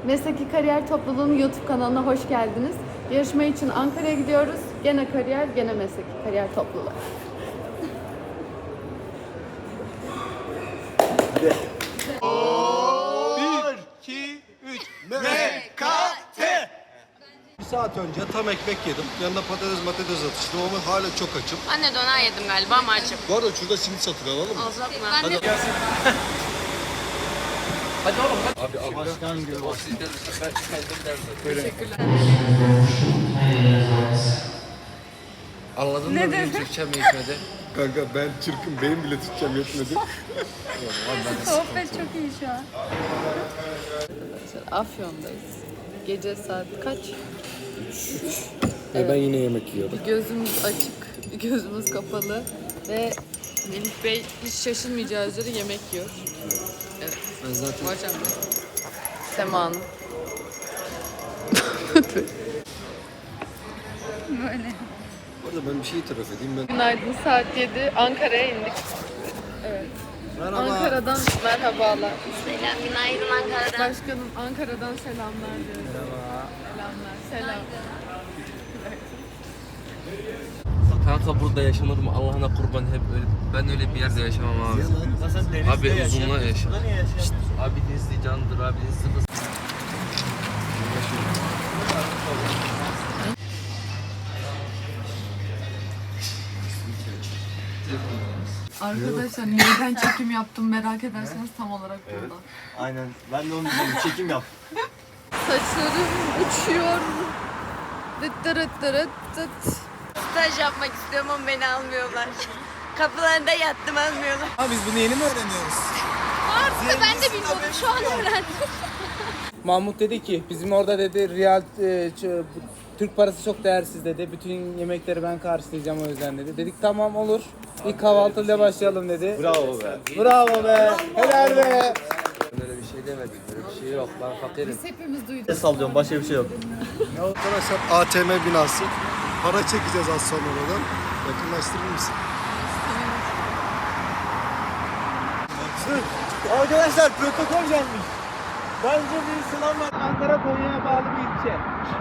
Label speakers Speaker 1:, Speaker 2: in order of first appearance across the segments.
Speaker 1: Mesleki Kariyer Topluluğu'nun YouTube kanalına hoş geldiniz. Yarışma için Ankara'ya gidiyoruz. Gene kariyer, gene Mesleki Kariyer Topluluğu.
Speaker 2: Bir, iki, üç. MKT.
Speaker 3: Bir saat önce tam ekmek yedim. Yanında patates atıştım ama hala çok açım.
Speaker 4: Ben de döner yedim galiba ama açım.
Speaker 3: Bu arada şurada simit satın alalım mı?
Speaker 4: Alacak mı?
Speaker 3: Hadi.
Speaker 2: Hadi oğlum hadi.
Speaker 3: Abi başkan gibi.
Speaker 2: Anladın mı benim Türkçem yetmedi?
Speaker 3: Kanka ben çırkım, benim bile Türkçem yetmedi.
Speaker 1: Sohbet çok iyi şu an. Afyon'dayız. Gece saat kaç?
Speaker 3: Ben yine yemek yiyorum.
Speaker 1: Gözümüz açık, gözümüz kapalı ve Melih Bey hiç şaşırmayacağı üzere yemek yiyor. Evet.
Speaker 2: Ben zaten...
Speaker 1: Hocam Sema Hanım. Böyle.
Speaker 3: Bu arada ben bir şey itiraf edeyim. Ben...
Speaker 1: Günaydın, saat 7. Ankara'ya indik. Evet.
Speaker 3: Merhaba.
Speaker 1: Ankara'dan merhabalar.
Speaker 4: Selam, günaydın Ankara'dan.
Speaker 1: Başkanım Ankara'dan selamlar diyoruz. Merhaba. Selamlar. Selam.
Speaker 2: Kanka burada yaşanır mı? Allah'ına kurban hep öyle. Ben öyle bir yerde yaşamam abi. Abi uzunla yaşa. Şşt, abi denizli candır, abi denizli kız.
Speaker 1: Arkadaşlar yeniden çekim yaptım, merak ederseniz tam olarak burada.
Speaker 5: Aynen. Ben de onu dedim. Çekim yap.
Speaker 1: Saçlarım uçuyor. Dıt dırıt dırıt dıt.
Speaker 4: Staj yapmak istiyorum ama beni almıyorlar. Kapılarında yattım, almıyorlar.
Speaker 5: Biz bunu yeni mi öğreniyoruz?
Speaker 4: Ben de bilmiyordum, şu an öğrendim.
Speaker 6: Mahmut dedi ki bizim orada dedi Türk parası çok değersiz dedi. Bütün yemekleri ben karşılayacağım o yüzden dedi. Dedik tamam olur. İlk kahvaltıyla başlayalım dedi.
Speaker 5: Bravo be.
Speaker 6: Bravo be. Helal be.
Speaker 2: Ben öyle bir şey demedim. Öyle bir şey yok. Ben fakirim.
Speaker 1: Biz hepimiz duyduk.
Speaker 5: Sallıyorum. Başka bir şey yok.
Speaker 3: Arkadaşlar ATM binası. Para çekeceğiz az sonra oradan. Yakınlaştırır mısın?
Speaker 5: Arkadaşlar protokol gelmiş. Bence bir sınav var.
Speaker 6: Ankara Konya'ya bağlı bir ilçe.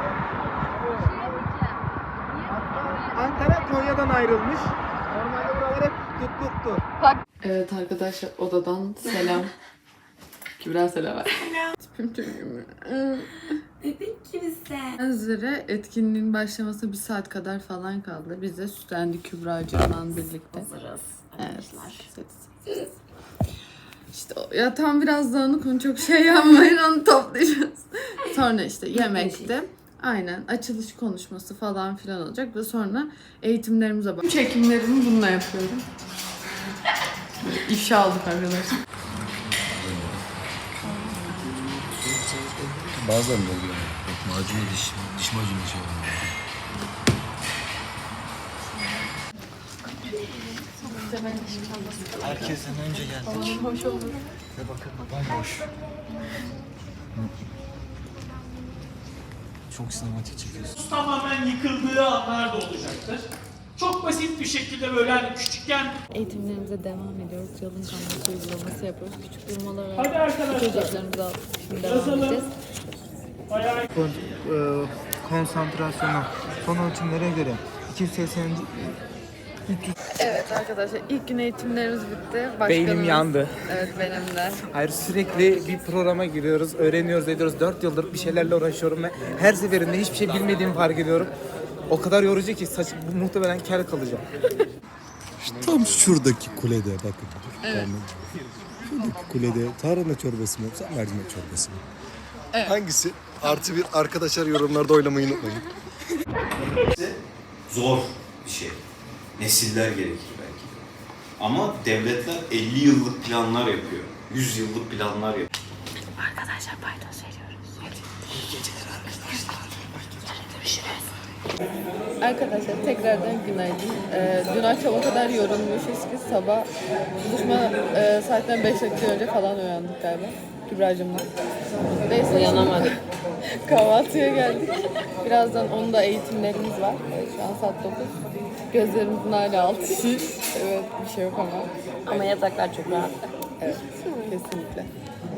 Speaker 6: Ankara Konya'dan ayrılmış. Normalde buralar hep tutluktu.
Speaker 1: Evet arkadaşlar odadan selam. Kübra selam ver. Tipim çok
Speaker 4: Bebek gibisin.
Speaker 1: üzere etkinliğin başlamasına bir saat kadar falan kaldı. Biz de süslendik Kübra'cığımla birlikte.
Speaker 4: Hazırız
Speaker 1: Evet. İşte ya tam biraz dağınık, onu çok şey yapmayın, onu toplayacağız. Sonra işte yemekte aynen açılış konuşması falan filan olacak ve sonra eğitimlerimize bak. Çekimlerimi bununla yapıyorum. Böyle ifşa aldık arkadaşlar.
Speaker 3: Bazen de oluyor. Macunu diş macunu şey oluyor.
Speaker 5: Herkesten önce geldik.
Speaker 1: Hoş olur.
Speaker 5: Ve bakın bomboş. Çok sinematik çekiyorsun.
Speaker 7: Tamamen yıkıldığı anlar da olacaktır. Çok basit bir şekilde böyle hani küçükken
Speaker 1: Eğitimlerimize devam ediyoruz. Yalın kanalası uygulaması yapıyoruz. Küçük durmalar
Speaker 7: hadi
Speaker 1: var.
Speaker 7: arkadaşlar
Speaker 1: Çocuklarımızı alıp şimdi devam
Speaker 7: yazalım.
Speaker 1: edeceğiz.
Speaker 7: Ayağa
Speaker 6: Konsantrasyona, son ölçümlere göre 280.
Speaker 1: Evet arkadaşlar ilk gün eğitimlerimiz bitti.
Speaker 6: Beynim yandı.
Speaker 1: Evet benim de.
Speaker 6: Hayır sürekli bir programa giriyoruz, öğreniyoruz, ediyoruz. 4 yıldır bir şeylerle uğraşıyorum ve her seferinde hiçbir şey bilmediğimi fark ediyorum. O kadar yorucu ki saç muhtemelen kel kalacağım.
Speaker 3: Tam şuradaki kulede bakın. Evet. Şuradaki kulede tarhana çorbası mı yoksa mercimek çorbası mı? Evet. Hangisi? Artı bir arkadaşlar yorumlarda oylamayı unutmayın.
Speaker 8: Zor bir şey. Nesiller gerekir belki. Ama devletler 50 yıllık planlar yapıyor. 100 yıllık planlar yapıyor.
Speaker 4: Arkadaşlar paydos veriyoruz. İyi geceler arkadaşlar. Görüşürüz.
Speaker 1: Arkadaşlar tekrardan günaydın. Dün akşam o kadar yorulmuşuz ki sabah buluşma saatten 5 dakika önce falan uyandık galiba. Kübra'cığımla. Neyse uyanamadık. Kahvaltıya geldik. Birazdan onun da eğitimlerimiz var. Şu an saat 9. Gözlerimizin hala altı şiş. Evet bir şey yok ama.
Speaker 4: Ama yataklar çok rahat.
Speaker 1: Evet kesinlikle.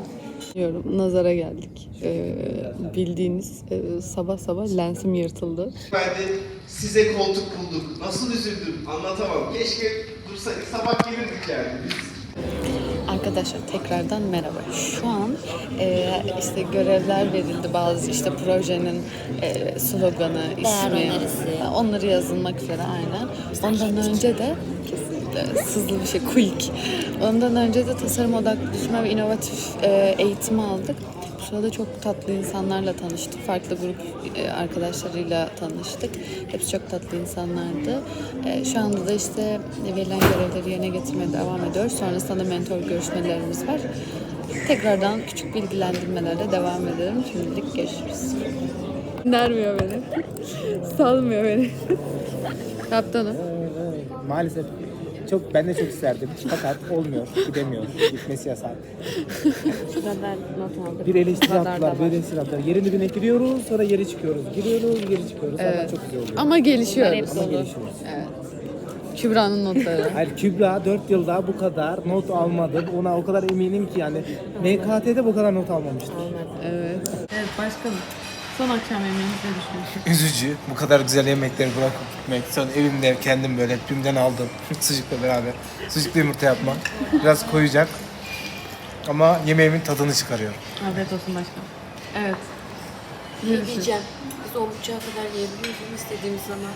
Speaker 1: Diyorum, nazara geldik. Bildiğiniz sabah sabah lensim yırtıldı.
Speaker 9: Ben de size koltuk bulduk. Nasıl üzüldüm anlatamam. Keşke dursaydık sabah gelirdik yani biz.
Speaker 1: Arkadaşlar tekrardan merhaba. Şu an işte görevler verildi, bazı işte projenin sloganı, ismi, onları yazılmak üzere aynen. Ondan önce de kesinlikle sızlı bir şey, quick. Ondan önce de tasarım odaklı düşünme ve inovatif eğitimi aldık. Bu sırada çok tatlı insanlarla tanıştık. Farklı grup arkadaşlarıyla tanıştık. Hepsi çok tatlı insanlardı. Şu anda da işte verilen görevleri yerine getirmeye devam ediyoruz. Sonrasında da mentor görüşmelerimiz var. Tekrardan küçük bilgilendirmelerle devam edelim. Şimdilik görüşürüz. Nermiyor beni. Salmıyor beni. Kaptanım.
Speaker 6: Maalesef ben de çok isterdim fakat olmuyor, gidemiyor, gitmesi yasak.
Speaker 4: Şu kadar not aldık.
Speaker 6: Bir eleştiri attılar, bir eleştiri attılar. Yerin dibine giriyoruz, sonra geri çıkıyoruz. Giriyoruz, geri çıkıyoruz.
Speaker 1: Evet.
Speaker 6: Çok güzel oluyor.
Speaker 1: Ama gelişiyoruz.
Speaker 6: Ama gelişiyoruz.
Speaker 1: Evet. Kübra'nın notları.
Speaker 6: Hayır, Kübra 4 yılda bu kadar not almadı. Ona o kadar eminim ki yani MKT'de bu kadar not almamıştır.
Speaker 1: Evet. Evet başkanım. Son akşam yemeğinizi ne düşünüyorsunuz?
Speaker 6: Üzücü. Bu kadar güzel yemekleri bırakıp gitmek. Sonra evimde kendim böyle tümden aldım. Sucukla beraber. Sucuklu yumurta yapmak. Biraz koyacak. Ama yemeğimin tadını çıkarıyor.
Speaker 1: Afiyet olsun başkanım. Evet.
Speaker 4: Ne diyeceğim? Biz 10.30'a kadar yiyebiliyoruz istediğimiz zaman.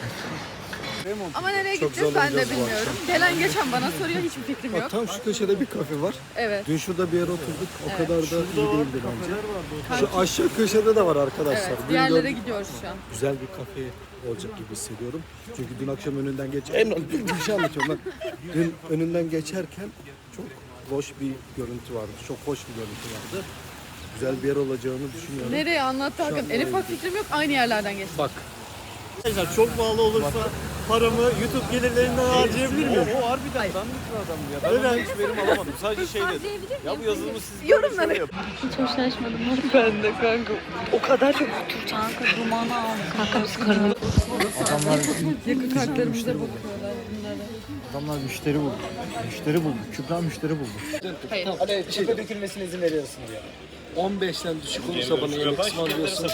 Speaker 1: Ama nereye
Speaker 3: Çok
Speaker 1: gideceğiz ben de
Speaker 3: zorlanacağız bu
Speaker 1: bilmiyorum. Gelen geçen bana soruyor, hiçbir fikrim yok.
Speaker 3: Tam şu köşede bir kafe var.
Speaker 1: Evet.
Speaker 3: Dün şurada bir yere oturduk. O kadar da iyi değildi bence. Şu aşağı köşede de var arkadaşlar.
Speaker 1: Evet.
Speaker 3: Dün
Speaker 1: Diğerlere
Speaker 3: gördük.
Speaker 1: gidiyoruz şu an.
Speaker 3: Güzel bir kafe olacak gibi hissediyorum. Çünkü dün akşam önünden bir şey anlatıyorum ben. Dün önünden geçerken çok hoş bir görüntü vardı. Çok hoş bir görüntü vardı. Güzel bir yer olacağını düşünüyorum.
Speaker 1: Nereye anlattı Hakan? En ufak fikrim yok. Aynı yerlerden geçtik.
Speaker 3: Bak.
Speaker 5: Arkadaşlar çok pahalı olursa paramı YouTube gelirlerinden harcayabilir miyim? O harbiden dandik bir adam ya. Ben hiç verim alamadım. Sadece şey dedim. Ya bu yazılımı siz
Speaker 1: Yorumlara.
Speaker 4: Hiç hoşlaşmadım.
Speaker 1: Ben de kanka. O kadar çok
Speaker 4: Kanka dumanı al. Kanka biz karını.
Speaker 1: yakın kartlarımıza bakıyorlar bunlara.
Speaker 5: Adamlar müşteri buldu. Müşteri buldu. Kübra müşteri buldu.
Speaker 1: Hayır.
Speaker 6: Hani çöpe dökülmesine izin veriyorsun diyor.
Speaker 3: 15'ten düşük olursa bana yemek ısmarlıyorsun.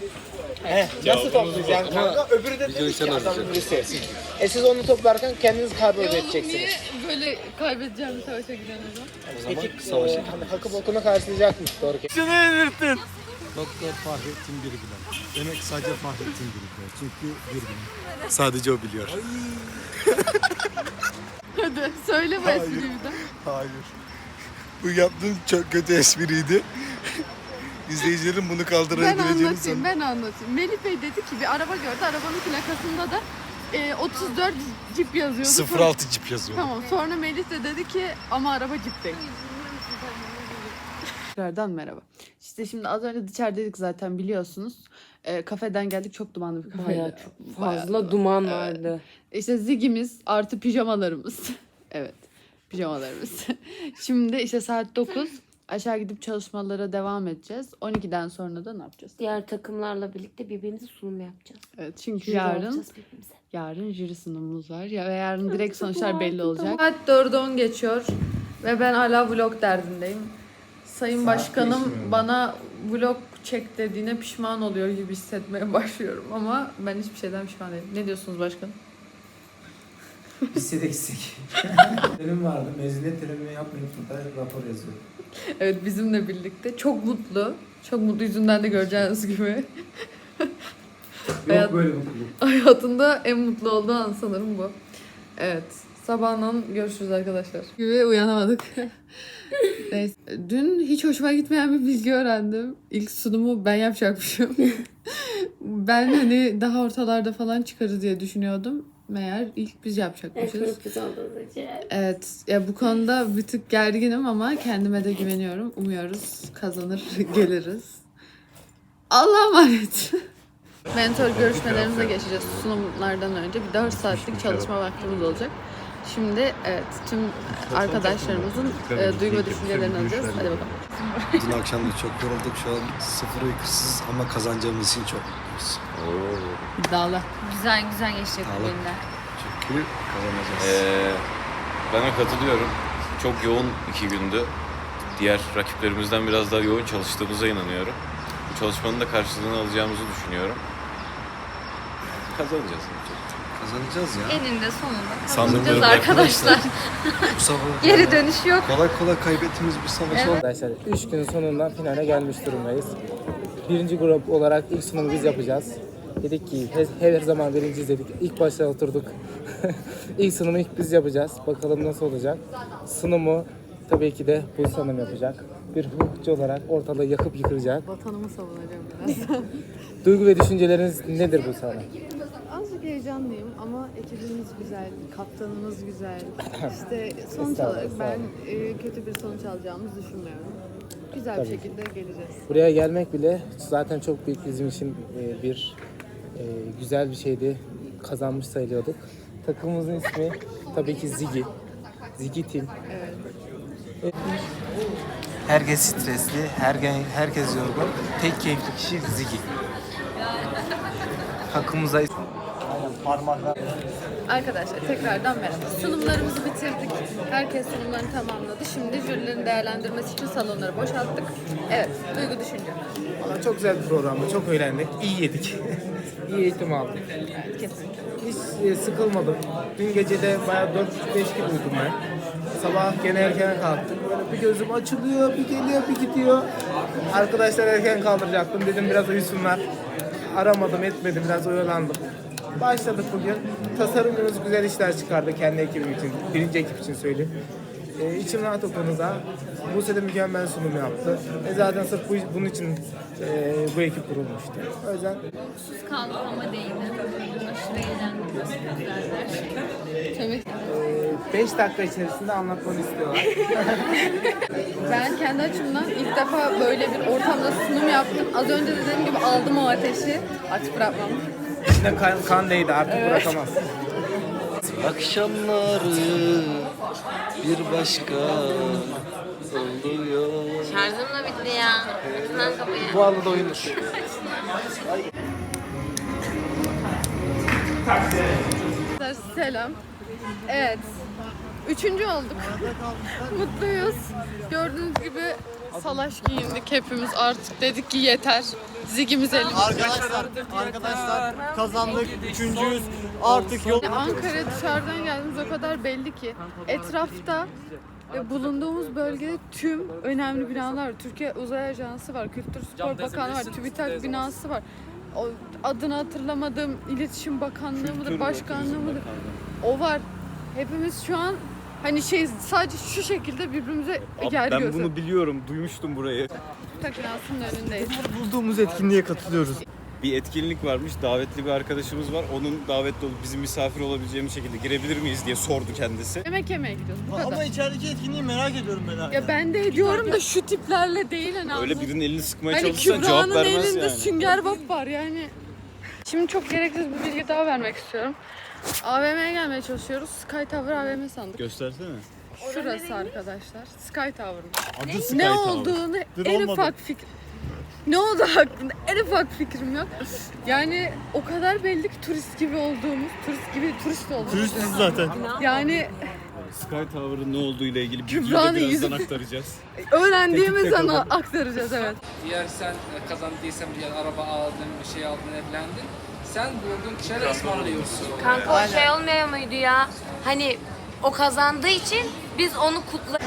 Speaker 6: Nasıl toplayacaksın kanka? Öbürü de dedi ki adamın birisi. Siz onu toplarken kendiniz karbon edeceksiniz.
Speaker 1: Niye böyle kaybedeceğim bir savaşa giden adam?
Speaker 6: Peki savaşa hakkı bokunu karşılayacakmış doğru ki.
Speaker 3: Doktor Fahrettin Birbilen. Demek sadece Fahrettin Birbilen. Çünkü Birbilen. Sadece o biliyor.
Speaker 1: Hadi söyle bu espriyi bir de.
Speaker 3: Hayır. Bu yaptığın çok kötü espriydi. İzleyicilerin bunu kaldırabileceğini sanırım.
Speaker 1: Ben anlatayım. Melih Bey dedi ki bir araba gördü. Arabanın plakasında da 34 Jeep yazıyordu.
Speaker 3: 06 Jeep yazıyor.
Speaker 1: Tamam. Sonra Melih de dedi ki ama araba Jeep değil. Tekrardan merhaba. İşte şimdi az önce dışarıdaydık zaten biliyorsunuz. Kafeden geldik, çok dumanlı bir kafeydi.
Speaker 4: Bayağı çok fazla duman vardı.
Speaker 1: İşte zigimiz artı pijamalarımız. Evet, pijamalarımız. Şimdi işte saat 9. Aşağı gidip çalışmalara devam edeceğiz. 12'den sonra da ne yapacağız?
Speaker 4: Diğer takımlarla birlikte birbirimize sunum yapacağız.
Speaker 1: Evet, çünkü
Speaker 4: Jüri olacağız birbirimize.
Speaker 1: yarın jüri sunumumuz var. Ya ve yarın direkt sonuçlar belli olacak. Saat 4'e 10 geçiyor ve ben hala vlog derdindeyim. Sayın Başkanım bana vlog çek dediğine pişman oluyor gibi hissetmeye başlıyorum ama ben hiçbir şeyden pişman değilim. Ne diyorsunuz başkanım?
Speaker 6: Biz de eksik. Benim vardı. Mezuniyet törenimi yapmayıp da rapor yazıyor.
Speaker 1: Evet, bizimle birlikte. Çok mutlu. Çok mutlu, yüzünden de göreceğiniz gibi.
Speaker 6: Yok böyle mutluluk.
Speaker 1: Hayatında en mutlu olduğu an sanırım bu. Evet. Sabahından görüşürüz arkadaşlar. Gibi uyanamadık. Neyse. Dün hiç hoşuma gitmeyen bir bilgi öğrendim. İlk sunumu ben yapacakmışım. Ben hani daha ortalarda falan çıkarız diye düşünüyordum. Meğer ilk biz yapacakmışız. Evet. Ya bu konuda bir tık gerginim ama kendime de güveniyorum. Umuyoruz kazanır geliriz. Allah'a emanet. Mentor görüşmelerimize geçeceğiz sunumlardan önce. Bir 4 saatlik çalışma vaktimiz olacak. Şimdi evet tüm arkadaşlarımızın duygu ve düşüncelerini alacağız. Hadi bakalım.
Speaker 3: Dün akşam da çok yorulduk. Şu an sıfır uykusuz ama kazanacağımız için çok mutluyuz.
Speaker 1: İddialı.
Speaker 4: Güzel geçecek bu günler.
Speaker 3: Çünkü kazanacağız.
Speaker 8: Ben de katılıyorum. Çok yoğun 2 gündü.
Speaker 5: diğer rakiplerimizden biraz daha yoğun çalıştığımıza inanıyorum. Bu çalışmanın da karşılığını alacağımızı düşünüyorum. Kazanacağız.
Speaker 3: Kazanacağız ya.
Speaker 4: Eninde sonunda
Speaker 3: Sanırım
Speaker 4: kazanacağız
Speaker 3: öyle
Speaker 4: arkadaşlar.
Speaker 3: Bu savaş
Speaker 4: Geri dönüş yok.
Speaker 3: kolay kolay kaybettiğimiz bir savaş oldu.
Speaker 6: Arkadaşlar 3 günün sonunda finale gelmiş durumdayız. Birinci grup olarak ilk sunumu biz yapacağız. Dedik ki her zaman birinciyiz dedik. İlk başta oturduk. İlk sunumu ilk biz yapacağız. Bakalım nasıl olacak. Sunumu tabii ki de bu sanım yapacak. Bir hukukçu olarak ortalığı yakıp yıkılacak.
Speaker 1: Vatanımı savunacağım biraz.
Speaker 6: Duygu ve düşünceleriniz nedir bu sanım?
Speaker 1: Azıcık heyecanlıyım ama ekibimiz güzel, kaptanımız güzel. İşte sonuç olarak ben kötü bir sonuç alacağımızı düşünmüyorum. Güzel bir şekilde geleceğiz.
Speaker 6: Buraya gelmek bile zaten çok büyük bizim için güzel bir şeydi. Kazanmış sayılıyorduk. Takımımızın ismi tabii ki Zigi. Zigi Team.
Speaker 1: Evet.
Speaker 6: Herkes stresli, herkes yorgun. Tek keyifli kişi Zigi. Takımımıza
Speaker 1: Arkadaşlar tekrardan merhaba. Sunumlarımızı bitirdik. Herkes sunumlarını tamamladı. Şimdi jürilerin değerlendirmesi için salonları boşalttık. Evet, duygu düşünce.
Speaker 6: Valla çok güzel bir programdı. Çok eğlendik. İyi yedik. İyi eğitim aldık.
Speaker 1: Evet, kesinlikle.
Speaker 6: Hiç sıkılmadım. Dün gece de bayağı 4-5 gibi uyudum ben. Sabah gene erken kalktım. Böyle bir gözüm açılıyor, bir geliyor, bir gidiyor. Arkadaşlar erken kaldıracaktım. Dedim biraz uyusunlar. Aramadım, etmedim. Biraz oyalandım. Başladık bugün. Tasarımcımız güzel işler çıkardı kendi ekibim için. Birinci ekip için söyleyeyim. İçim rahat o konuda. Buse de mükemmel sunum yaptı. Zaten sırf bunun için bu ekip kurulmuştu. O yüzden
Speaker 4: Sus kaldık ama değdi. Aşırı eğlendik.
Speaker 1: Tabii.
Speaker 6: 5 dakika içerisinde anlatmanı istiyorlar.
Speaker 1: Ben kendi açımdan ilk defa böyle bir ortamda sunum yaptım. Az önce dediğim gibi aldım o ateşi. Aç bırakmam.
Speaker 6: İçinde kan değdi, artık bırakamaz.
Speaker 2: Akşamları bir başka oluyor.
Speaker 4: Şarjım da bitti ya. Açın kapıyı.
Speaker 6: Bu arada oyunur.
Speaker 1: Selam. Evet. 3. olduk. Mutluyuz. Gördüğünüz gibi salaş giyindik hepimiz artık. Dedik ki yeter. Zigimiz elimizde.
Speaker 5: Arkadaşlar kazandık. Üçüncüyüz. Artık yol...
Speaker 1: Ankara dışarıdan geldiğimiz o kadar belli ki. Etrafta bulunduğumuz bölgede tüm önemli binalar var. Türkiye Uzay Ajansı var, Kültür Spor Bakanlığı var, TÜBİTAK binası var. O adını hatırlamadığım İletişim Bakanlığı mıdır, Başkanlığı mıdır? O var. Hepimiz şu an hani sadece şu şekilde birbirimize yer
Speaker 5: Ben
Speaker 1: göster.
Speaker 5: bunu biliyorum. Duymuştum burayı.
Speaker 1: TÜBİTAK binasının önündeyiz.
Speaker 5: Bulduğumuz etkinliğe katılıyoruz. Bir etkinlik varmış. Davetli bir arkadaşımız var. Onun davetli olup bizim misafir olabileceğimiz şekilde girebilir miyiz diye sordu kendisi.
Speaker 1: Yemek yemeye gidiyoruz. Bu kadar.
Speaker 5: Ama içerideki etkinliği merak ediyorum ben.
Speaker 1: Ya ben de ediyorum da şu tiplerle değil hani.
Speaker 5: Öyle birinin elini sıkmaya
Speaker 1: Hani
Speaker 5: çalışırsan cevap
Speaker 1: Kübra'nın
Speaker 5: vermez
Speaker 1: elinde
Speaker 5: yani.
Speaker 1: sünger bob var yani. Şimdi çok gereksiz bir bilgi daha vermek istiyorum. AVM'ye gelmeye çalışıyoruz. Sky Tower AVM sandık.
Speaker 5: Göstersene.
Speaker 1: Şurası arkadaşlar. Sky Tower'ın.
Speaker 5: Adı Sky
Speaker 1: Ne
Speaker 5: Tower.
Speaker 1: olduğunu
Speaker 5: Dur,
Speaker 1: en
Speaker 5: olmadı.
Speaker 1: ufak fikir... Ne oldu hakkında en ufak fikrim yok. Yani o kadar belli ki turist gibi olduğumuz, turist olduğumuz.
Speaker 5: Turistiz zaten.
Speaker 1: Yani
Speaker 5: Sky Tower'ın ne olduğu ile ilgili bilgiyi de
Speaker 1: Kübra'nın
Speaker 5: birazdan
Speaker 1: yüzü-
Speaker 5: aktaracağız.
Speaker 1: öğrendiğimiz an aktaracağız evet.
Speaker 10: Diğer sen kazandıysan bir araba aldın, bir şey aldın, evlendin. Sen vurdun kişileri ısmarlıyorsun.
Speaker 4: Kanka o şey olmuyor muydu ya? Hani o kazandığı için biz onu kutla...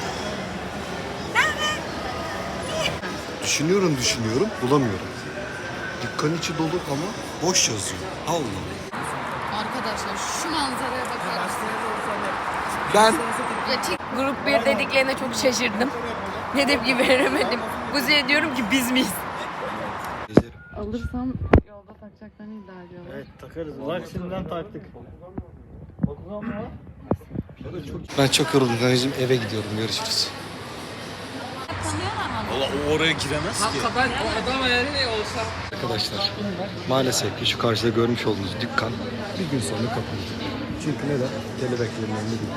Speaker 3: Düşünüyorum, bulamıyorum. Dükkan içi dolu ama boş yazıyor. Allah.
Speaker 1: Arkadaşlar şu manzaraya bakar mısınız?
Speaker 6: Ben
Speaker 4: Grup 1 dediklerine çok şaşırdım. Ne tepki veremedim. Buzi'ye diyorum ki biz miyiz?
Speaker 1: Alırsam yolda takacaklarını iddia ediyorlar.
Speaker 5: Evet takarız. Bak şimdiden taktık.
Speaker 3: Ben çok yoruldum Kanacığım, eve gidiyorum. Görüşürüz.
Speaker 5: Valla o oraya giremez ki.
Speaker 10: Kanka ben o adam eğer ne olsa
Speaker 3: Arkadaşlar, maalesef ki şu karşıda görmüş olduğunuz dükkan bir gün sonra kapanacak. Çünkü neden? Kelebeklerin önünde değil.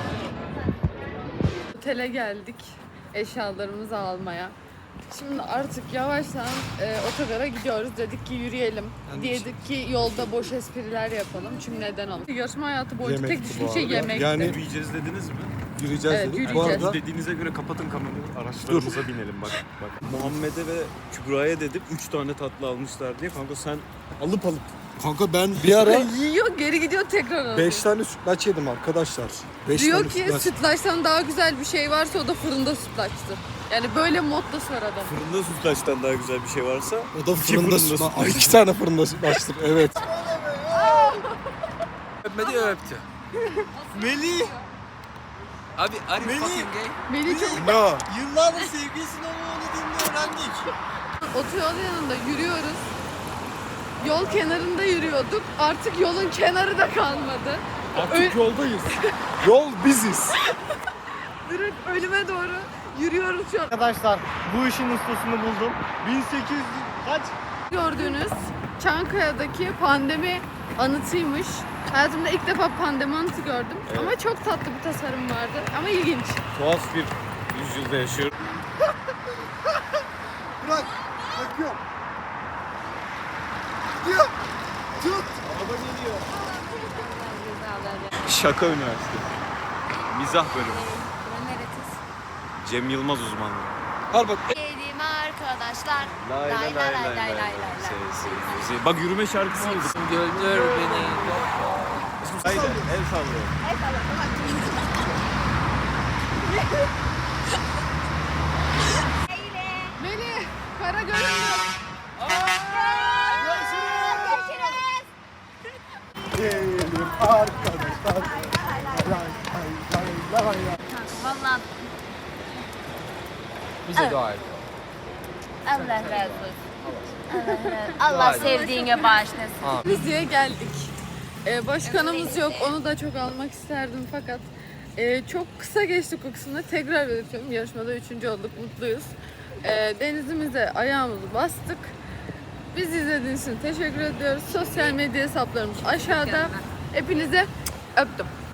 Speaker 1: Otele geldik eşyalarımızı almaya. Şimdi artık yavaştan otogara gidiyoruz. Dedik ki yürüyelim. Dedik ki yolda boş espriler yapalım. Çünkü neden olmasın? Yarışma hayatı boyunca tek
Speaker 3: Yemekti
Speaker 1: düşündüğüm
Speaker 3: bu
Speaker 1: şey
Speaker 3: arada.
Speaker 1: yemekti.
Speaker 3: Yani
Speaker 5: Yürüyeceğiz dediniz mi?
Speaker 3: Yürüyeceğiz
Speaker 1: Evet,
Speaker 3: dedik.
Speaker 1: yürüyeceğiz.
Speaker 3: Bu arada
Speaker 5: Dediğinize göre kapatın kamerayı. Araçlarımıza binelim bak. Muhammed'e ve Kübra'ya dedim 3 tane tatlı almışlar diye. Kanka sen alıp
Speaker 3: kanka ben bir ara
Speaker 1: Yiyor geri gidiyor tekrar alıyor.
Speaker 3: 5 tane sütlaç yedim arkadaşlar. 5
Speaker 1: Diyor
Speaker 3: tane
Speaker 1: ki
Speaker 3: sütlaç.
Speaker 1: sütlaçtan daha güzel bir şey varsa o da fırında sütlaçtır. Yani böyle mottası var adam.
Speaker 5: fırında sütlaçtan daha güzel bir şey varsa
Speaker 3: O da fırında
Speaker 5: fırında
Speaker 3: sütlaç. Ay 2 tane fırında sütlaçtır. Evet.
Speaker 2: Öpmedi öptü.
Speaker 5: Melih!
Speaker 2: Abi are you fucking gay?
Speaker 1: Beni çok
Speaker 3: No.
Speaker 5: Yıllardır sevgilisinin onu dediğini öğrendik.
Speaker 1: otoyol yanında yürüyoruz. Yol kenarında yürüyorduk. Artık yolun kenarı da kalmadı.
Speaker 3: Artık yoldayız. Yol biziz.
Speaker 1: Direkt ölüme doğru yürüyoruz şu an.
Speaker 5: Arkadaşlar bu işin ustasını buldum. 1800 kaç?
Speaker 1: Gördüğünüz Çankaya'daki pandemi anıtıymış. Hayatımda ilk defa pandemi anıtı gördüm. Ama çok tatlı bir tasarım vardı. Ama ilginç.
Speaker 5: Tuhaf bir yüzyılda yaşıyorum.
Speaker 3: Bırak. Bakıyorum. Gidiyor. Tut.
Speaker 5: Araba geliyor. Şaka üniversite. Mizah bölümü. Cem Yılmaz uzmanlığı.
Speaker 3: Al bak.
Speaker 4: Yedim arkadaşlar.
Speaker 5: Lay lay lay lay lay. Bak yürüme şarkısı oldu.
Speaker 2: Gördür beni.
Speaker 5: Haydi el sallıyor.
Speaker 1: Melih, kara görünüyor.
Speaker 3: Gelin arkadaşlar.
Speaker 4: Vallahi
Speaker 2: Bize dua et.
Speaker 4: Allah razı olsun. Allah sevdiğine bağışlasın.
Speaker 1: Rize'ye geldik. Başkanımız yok. Onu da çok almak isterdim fakat çok kısa geçti o kısımda. Tekrar belirtiyorum. Yarışmada 3. olduk. Mutluyuz. Denizimize ayağımızı bastık. Bizi izlediğiniz için teşekkür ediyoruz. Sosyal medya hesaplarımız aşağıda. Hepinize öptüm.